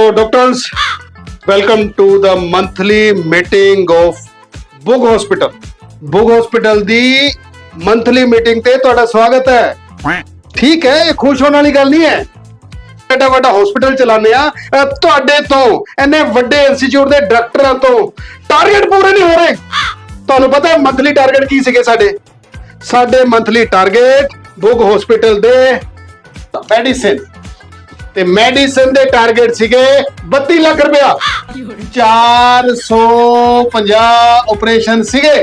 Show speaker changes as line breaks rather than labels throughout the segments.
doctors, welcome to the monthly meeting of Bug Hospital. Bug Hospital the monthly meeting ਤੇ ਤੁਹਾਡਾ ਸਵਾਗਤ ਹੈ। ਠੀਕ ਹੈ, ਇਹ ਖੁਸ਼ ਹੋਣ ਵਾਲੀ ਗੱਲ ਨਹੀਂ ਹੈ। ਐਡਾ ਵੱਡਾ ਹਸਪੀਟਲ ਚਲਾਉਂਦੇ ਆ, ਤੁਹਾਡੇ ਤੋਂ ਇੰਨੇ ਵੱਡੇ ਇੰਸਟੀਚਿਊਟ ਦੇ ਡਾਕਟਰਾਂ ਤੋਂ ਟਾਰਗੇਟ ਪੂਰੇ ਨਹੀਂ ਹੋ ਰਹੇ। ਤੁਹਾਨੂੰ ਪਤਾ ਹੈ ਮੰਥਲੀ ਟਾਰਗੇਟ ਕੀ ਸੀਗੇ ਸਾਡੇ ਮੰਥਲੀ ਟਾਰਗੇਟ ਬੁਗ ਹਸਪੀਟਲ ਦੇ ਮੈਡੀਸਿਨ ਤੇ ਮੈਡੀਸਿਨ ਦੇ ਟਾਰਗੇਟ ਸੀਗੇ 32 ਲੱਖ ਰੁਪਇਆ। 450 ਆਪਰੇਸ਼ਨ ਸੀਗੇ।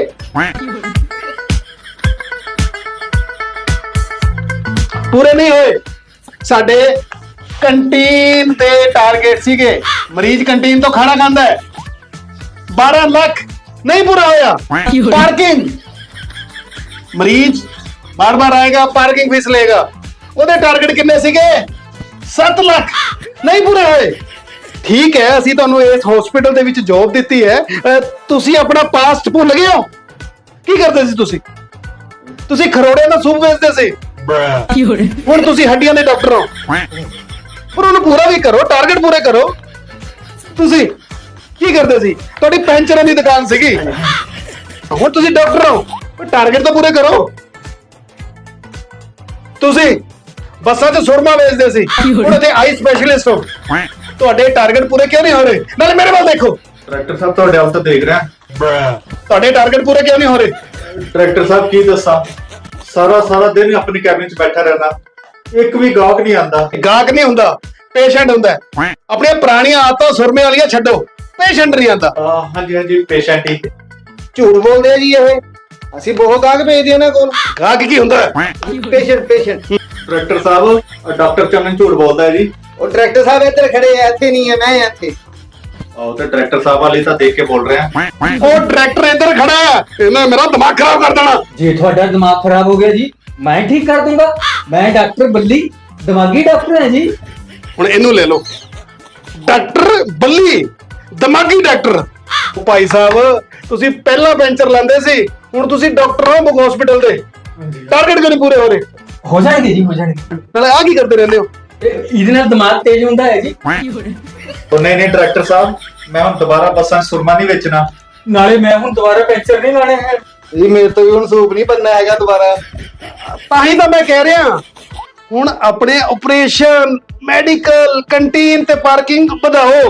ਪੂਰੇ ਨਹੀਂ ਹੋਏ। ਸਾਡੇ ਕੰਟੀਨ ਦੇ ਟਾਰਗੇਟ ਸੀਗੇ, ਮਰੀਜ਼ ਕੰਟੀਨ ਤੋਂ ਖਾਣਾ ਖਾਂਦਾ ਹੈ, 12 ਲੱਖ ਨਹੀਂ ਪੂਰਾ ਹੋਇਆ। ਪਾਰਕਿੰਗ, ਮਰੀਜ਼ ਬਾਰ-ਬਾਰ ਆਏਗਾ, ਪਾਰਕਿੰਗ ਫੀਸ ਲਏਗਾ, ਉਹਦੇ ਟਾਰਗੇਟ ਕਿੰਨੇ ਸੀਗੇ? 7 ਲੱਖ ਨਹੀਂ ਪੂਰੇ ਹੋਏ। ਠੀਕ ਹੈ, ਅਸੀਂ ਤੁਹਾਨੂੰ ਇਸ ਹਸਪੀਟਲ ਦੇ ਵਿੱਚ ਜੌਬ ਦਿੱਤੀ ਹੈ, ਤੁਸੀਂ ਆਪਣਾ ਪਾਸਟ ਭੁੱਲ ਗਏ ਹੋ? ਕੀ ਕਰਦੇ ਸੀ ਤੁਸੀਂ ਖਰੋੜੇ ਦਾ ਸੂਪ ਵੇਚਦੇ ਸੀ, ਹੁਣ ਤੁਸੀਂ ਹੱਡੀਆਂ ਦੇ ਡਾਕਟਰ ਹੋ। ਪਰ ਉਹਨੂੰ ਪੂਰਾ ਵੀ ਕਰੋ, ਟਾਰਗੇਟ ਪੂਰੇ ਕਰੋ। ਤੁਸੀਂ ਕੀ ਕਰਦੇ ਸੀ? ਤੁਹਾਡੀ ਪੈਂਚਰਾਂ ਦੀ ਦੁਕਾਨ ਸੀਗੀ, ਹੁਣ ਤੁਸੀਂ ਡਾਕਟਰ ਹੋ, ਟਾਰਗੇਟ ਤਾਂ ਪੂਰੇ ਕਰੋ। ਤੁਸੀਂ ਬੱਸਾਂ 'ਚ ਸੁਰਮਾ ਵੇਚਦੇ ਸੀ, ਹੁਣ ਇੱਥੇ ਆਈ ਸਪੈਸ਼ਲਿਸਟ ਹੋ, ਤੁਹਾਡੇ ਟਾਰਗੇਟ ਪੂਰੇ ਕਿਉਂ ਨਹੀਂ ਹੋ ਰਹੇ? ਨਾਲੇ ਮੇਰੇ ਵੱਲ ਦੇਖੋ।
ਡਾਇਰੈਕਟਰ ਸਾਹਿਬ ਤੁਹਾਡੇ ਵੱਲ ਤਾਂ ਦੇਖ ਰਿਹਾ,
ਤੁਹਾਡੇ ਟਾਰਗੇਟ ਪੂਰੇ ਕਿਉਂ ਨਹੀਂ ਹੋ ਰਹੇ?
ਡਾਇਰੈਕਟਰ ਸਾਹਿਬ ਕੀ ਦੱਸਾਂ, ਸਾਰਾ ਦਿਨ ਆਪਣੀ ਕੈਬਿਨ 'ਚ ਬੈਠਾ ਰਹਿਣਾ, ਇੱਕ ਵੀ ਗਾਹਕ ਨਹੀਂ ਆਂਦਾ।
ਗਾਹਕ ਨਹੀਂ ਹੁੰਦਾ, ਪੇਸ਼ੈਂਟ ਹੁੰਦਾ। ਆਪਣੀਆਂ ਪੁਰਾਣੀਆਂ ਆਦਤਾਂ ਸੁਰਮੇ ਵਾਲੀਆਂ ਛੱਡੋ, ਪੇਸ਼ੈਂਟ ਨਹੀਂ ਆਂਦਾ।
ਹਾਂਜੀ ਪੇਸ਼ੈਂਟ ਹੀ।
ਝੂਠ ਬੋਲਦੇ ਆ ਜੀ ਇਹ, ਅਸੀਂ ਬਹੁਤ ਗਾਹਕ ਭੇਜਦੇ ਇਹਨਾਂ ਕੋਲ। ਗਾਹਕ ਕੀ ਹੁੰਦਾ? ਪੇਸ਼ੈਂਟ।
ਡਾਇਰੈਕਟਰ ਸਾਹਿਬ, ਡਾਕਟਰ ਚੰਨ ਝੂਠ ਬੋਲਦਾ ਹੈ ਜੀ।
ਉਹ ਡਾਇਰੈਕਟਰ ਸਾਹਿਬ ਇੱਧਰ ਖੜੇ ਆ, ਇੱਥੇ ਨਹੀਂ ਹੈ, ਮੈਂ ਇੱਥੇ।
ਉਹ ਤੇ ਡਾਇਰੈਕਟਰ ਸਾਹਿਬ ਵਾਲੀ ਤਾਂ ਦੇਖ ਕੇ ਬੋਲ ਰਿਹਾ।
ਉਹ ਡਾਇਰੈਕਟਰ ਇੱਧਰ ਖੜਾ ਹੈ, ਇਹਨੇ ਮੇਰਾ ਦਿਮਾਗ ਖਰਾਬ ਕਰ ਦੇਣਾ।
ਜੇ ਤੁਹਾਡਾ ਦਿਮਾਗ ਖਰਾਬ ਹੋ ਗਿਆ ਜੀ, ਮੈਂ ਠੀਕ ਕਰ ਦੂੰਗਾ। ਮੈਂ ਡਾਕਟਰ ਬੱਲੀ, ਦਿਮਾਗੀ ਡਾਕਟਰ ਹਾਂ ਜੀ।
ਹੁਣ ਇਹਨੂੰ ਲੈ ਲਓ, ਡਾਕਟਰ ਬੱਲੀ, ਦਿਮਾਗੀ ਡਾਕਟਰ। ਭਾਈ ਸਾਹਿਬ, ਤੁਸੀਂ ਪਹਿਲਾਂ ਪੈਂਚਰ ਲਾਉਂਦੇ ਸੀ, ਹੁਣ ਤੁਸੀਂ ਡਾਕਟਰ ਹੋ ਬੁਗ ਹਸਪੀਟਲ ਦੇ। ਟਾਰਗੇਟ ਕਿਉਂ ਨਹੀਂ ਪੂਰੇ ਹੋ ਰਹੇ?
ਹੋ ਜਾਣਗੇ ਜੀ, ਹੋ ਜਾਣਗੇ।
ਨਾਲੇ ਆ ਕੀ ਕਰਦੇ ਰਹਿੰਦੇ ਹੋ?
ਇਹਦੇ ਨਾਲ ਦਿਮਾਗ ਤੇਜ਼ ਹੁੰਦਾ ਹੈ ਜੀ।
ਉਹ ਨਹੀਂ ਡਾਇਰੈਕਟਰ ਸਾਹਿਬ, ਮੈਂ ਹੁਣ ਦੁਬਾਰਾ ਬੱਸਾਂ 'ਚ ਸੁਰਮਾ ਨਹੀਂ ਵੇਚਣਾ।
ਨਾਲੇ ਮੈਂ ਹੁਣ ਦੁਬਾਰਾ ਪੈਂਚਰ ਨਹੀਂ ਲਾਣੇ ਹੈ
ਜੀ। ਮੇਰੇ ਤੋਂ ਵੀ ਹੁਣ ਸੂਪ ਨਹੀਂ ਬਣਨਾ ਹੈਗਾ ਦੁਬਾਰਾ।
ਤਾਂ ਹੀ ਤਾਂ ਮੈਂ ਕਹਿ ਰਿਹਾ, ਹੁਣ ਆਪਣੇ ਆਪਰੇਸ਼ਨ, ਮੈਡੀਕਲ, ਕੰਟੀਨ ਤੇ ਪਾਰਕਿੰਗ ਵਧਾਓ।